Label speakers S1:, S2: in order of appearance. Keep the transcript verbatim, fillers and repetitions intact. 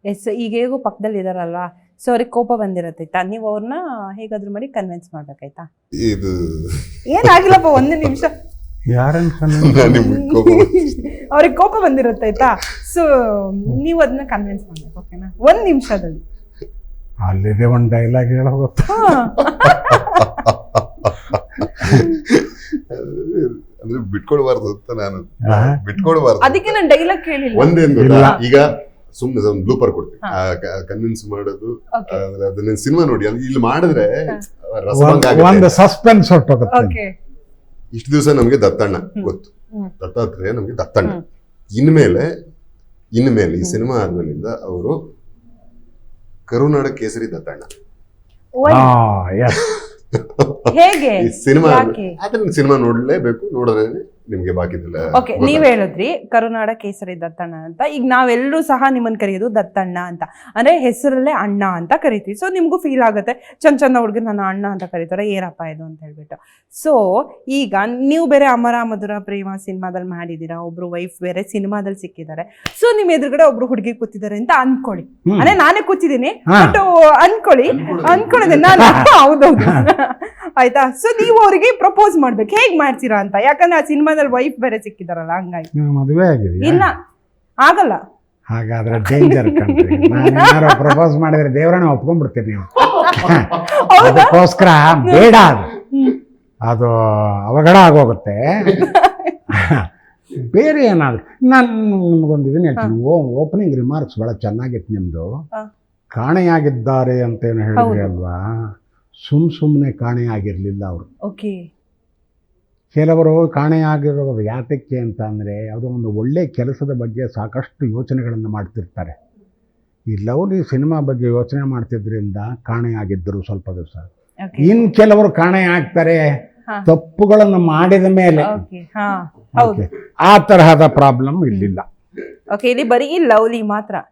S1: S ಈಗ ಹೇಗೂ ಪಕ್ಕದಲ್ಲಿ ಇದಾರಲ್ವಾ, ಸೊ ಅವ್ರಿಗೆ ಕೋಪ ಬಂದಿರತ್ತೈತಾ, ನೀವು ಅವ್ರನ್ನ ಹೇಗಾದ್ರೂ ಮಾಡಿ ಕನ್ವಿನ್ಸ್ ಮಾಡ್ಬೇಕಾಯ್ತಾ?
S2: ಇದು
S1: ಏನಾಗಿಲ್ಲಪ್ಪ, ಒಂದು ನಿಮಿಷ.
S3: ಯಾರನ್ನ
S1: ಅವ್ರಿಗೆ ಕೋಪ ಬಂದಿರತ್ತೈತಾ, ಸೊ ನೀವು ಅದನ್ನ ಕನ್ವಿನ್ಸ್ ಮಾಡ್ಬೇಕು, ಓಕೆನಾ? ಒಂದ್ ನಿಮಿಷದಲ್ಲಿ.
S3: ಅಲ್ಲಿದೆ ಒಂದು ಡೈಲಾಗ್ ಹೇಳ ಗೊತ್ತಾ,
S2: ಅಂದ್ರೆ ಬಿಟ್ಕೊಡ್ಬಾರ್ದು ಅಂತ ನಾನು ಬಿಟ್ಕೊಡ್ಬಾರ್ದು.
S1: ಅದಕ್ಕೆ ನಾನು ಡೈಲಾಗ್ ಕೇಳಿಲ್ಲ.
S2: ಒಂದೇನ್ ಗೊತ್ತಾ, ಈಗ ಸುಮ್ನೆ ಒಂದು ಬ್ಲೂಪರ್ ಕೊಡ್ತೀನಿ, ಕನ್ವಿನ್ಸ್ ಮಾಡೋದು ಅದನ್ನ ಸಿನಿಮಾ ನೋಡಿ, ಇಲ್ಲಿ ಮಾಡಿದ್ರೆ
S3: ಒಂದು ಸಸ್ಪೆನ್ಸ್ ಹೊಟ್ಟೋಗುತ್ತೆ.
S2: ಇಷ್ಟು ದಿವಸ ನಮ್ಗೆ ದತ್ತಣ್ಣ ಗೊತ್ತು, ದತ್ತಾತ್ರೇಯ ನಮ್ಗೆ ದತ್ತಣ್ಣ. ಇನ್ಮೇಲೆ ಇನ್ಮೇಲೆ ಈ ಸಿನಿಮಾ ಆದ್ಮೇಲಿಂದ ಅವರು ಕರುನಾಡ ಕೇಸರಿ ದತ್ತಣ್ಣ.
S1: ಹೇಗೆ
S2: ಈ ಸಿನಿಮಾ ಅದನ್ನ ಸಿನಿಮಾ ನೋಡ್ಲೇಬೇಕು, ನೋಡಿದ್ರೆ ನಿಮ್ಗೆ ಬಾಕಿದಿಲ್ಲ.
S1: ಓಕೆ, ನೀವ್ ಹೇಳಿದ್ರಿ ಕರುನಾಡ ಕೇಸರಿ ದತ್ತಣ್ಣ ಅಂತ. ಈಗ ನಾವೆಲ್ಲರೂ ಸಹ ನಿಮ್ಮನ್ನ ಕರೆಯೋದು ದತ್ತಣ್ಣ ಅಂತ, ಅಂದ್ರೆ ಹೆಸರಲ್ಲೇ ಅಣ್ಣ ಅಂತ ಕರಿತೀವಿ. ಸೊ ನಿಮ್ಗೂ ಫೀಲ್ ಆಗುತ್ತೆ, ಚಂದ ಚಂದ ಹುಡುಗ ನನ್ನ ಅಣ್ಣ ಅಂತ ಕರೀತಾರೆ, ಏನಪ್ಪ ಇದು ಅಂತ ಹೇಳ್ಬಿಟ್ಟು. ಸೊ ಈಗ ನೀವು ಬೇರೆ ಅಮರ ಮಧುರ ಪ್ರೇಮ ಸಿನಿಮಾದಲ್ಲಿ ಮಾಡಿದೀರಾ, ಒಬ್ರು ವೈಫ್ ಬೇರೆ ಸಿನಿಮಾದಲ್ಲಿ ಸಿಕ್ಕಿದ್ದಾರೆ. ಸೊ ನಿಮ್ ಎದುರುಗಡೆ ಒಬ್ರು ಹುಡುಗಿ ಕೂತಿದ್ದಾರೆ ಅಂತ ಅನ್ಕೊಳ್ಳಿ, ಅಂದ್ರೆ ನಾನೇ ಕೂತಿದ್ದೀನಿ ಬಟ್ ಅನ್ಕೊಳ್ಳಿ ಅನ್ಕೊಂಡಿದ್ದೀನಿ ನಾನು, ಹೌದೌದು ಆಯ್ತಾ? ಸೊ ನೀವು ಅವರಿಗೆ ಪ್ರಪೋಸ್ ಮಾಡ್ಬೇಕು, ಹೇಗ್ ಮಾಡ್ತೀರಾ ಅಂತ, ಯಾಕಂದ್ರೆ ಆ ಸಿನಿಮಾದಲ್ಲಿ ವೈಫ್ ಬೇರೆ ಸಿಕ್ಕಿದಾರಲ್ಲ, ಹಂಗಾಗಿ.
S3: ಮದುವೆ ಆಗಿದೆ
S1: ಇಲ್ಲ ಆಗಲ್ಲ,
S3: ಹಾಗಾದ್ರೆ ಡೇಂಜರ್ ಕಂಟ್ರಿ. ನಾನು ಪ್ರಪೋಸ್ ಮಾಡಿದ್ರೆ ದೇವರನ್ನ ಒಪ್ಕೊಂಡ್ಬಿಡ್ತೀನಿ ನೀವು. ಅದಕ್ಕೋಸ್ಕರ ಬೇಡ, ಅದು ಅದು ಅವಘಡ ಆಗೋಗುತ್ತೆ. ಬೇರೆ ಏನಾದ್ರು ನಾನು ನಿಮ್ಗೊಂದು ಇದನ್ನ ಹೇಳ್ತೀನಿ, ಓ ಓಪನಿಂಗ್ ರಿಮಾರ್ಕ್ಸ್ ಬಹಳ ಚೆನ್ನಾಗಿತ್ತು ನಿಮ್ದು. ಕಾಣೆಯಾಗಿದ್ದಾರೆ ಅಂತ ಏನು ಹೇಳಿದ್ರಿ ಅಲ್ವಾ, ಸುಮ್ ಸುಮ್ಮನೆ ಕಾಣೆಯಾಗಿರ್ಲಿಲ್ಲ ಅವರು.
S1: ಓಕೆ,
S3: ಕೆಲವರು ಕಾಣೆಯಾಗಿರೋದು ಯಾತಕ್ಕೆ ಅಂತ ಅಂದರೆ, ಯಾವುದೋ ಒಂದು ಒಳ್ಳೆ ಕೆಲಸದ ಬಗ್ಗೆ ಸಾಕಷ್ಟು ಯೋಚನೆಗಳನ್ನು ಮಾಡ್ತಿರ್ತಾರೆ. ಈ ಲವ್ಲಿ ಸಿನಿಮಾ ಬಗ್ಗೆ ಯೋಚನೆ ಮಾಡ್ತಿದ್ರಿಂದ ಕಾಣೆಯಾಗಿದ್ದರು ಸ್ವಲ್ಪ ದಿವಸ. ಇನ್ನು ಕೆಲವರು ಕಾಣೆ ಆಗ್ತಾರೆ ತಪ್ಪುಗಳನ್ನು ಮಾಡಿದ ಮೇಲೆ. ಆ ತರಹದ ಪ್ರಾಬ್ಲಮ್ ಇಲ್ಲಿಲ್ಲ.
S1: ಓಕೆ, ಇಲ್ಲಿ ಬರೀ ಲವ್ಲಿ ಮಾತ್ರ.